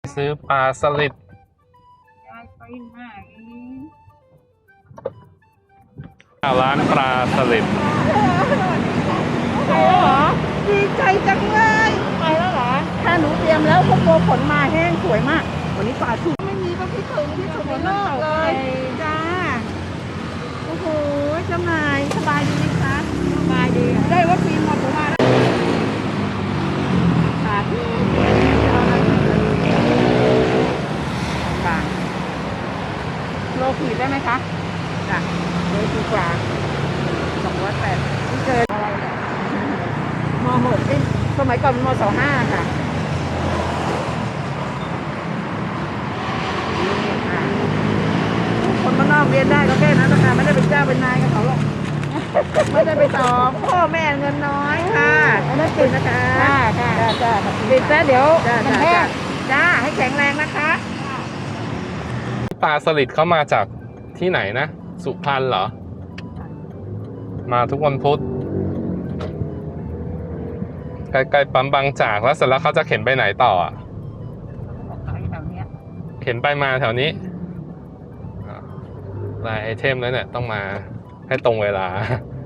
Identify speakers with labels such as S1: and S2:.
S1: ซื้อปลาสลิด
S2: ยายไปไหน
S1: ร้านปลาสลิด
S2: ไปแล้วเหรอดีใจจังเลยไปแล้วเหรอถ้าหนูเตรียมแล้วพวกโบผลมาแห้งสวยมากวันนี้ปลาสุกไม่มีก็คิดถึงที่สุดในโลกเลยจ้าโอ้โหเจ้านายสบายดีไหมคะสบายดีได้วัคซีนหมดผมมาแล้วขาดบางโลขีดได้ไหมคะจ้ะโลขีดกว่า280ที่เกินอะไรเนี่ยม.6ที่สมัยก่อนม.25ค่ะนี่ค่ะคนบ้านนอกเรียนได้ก็แค่นั้นนะคะไม่ได้เป็นเจ้าเป็นนายกับเขาหรอกไม่ได้ไปสอบพ่อแม่เงินน้อยค่ะไม่ติดนะคะค่ะจ้าติดแล้วเดี๋ยวมันแห้งจ้าให้แข็งแรงนะคะ
S1: ปลาสลิดเขามาจากที่ไหนนะสุพรรณเหรอมาทุกวันพุธใกล้ๆปั๊มบางจากแล้วเสร็จแล้วเขาจะเข็นไปไหนต่ออ่ะเข็นไปมาแถวนี้รายไอเทมแล้วเนี่ยต้องมาให้ตรงเวลา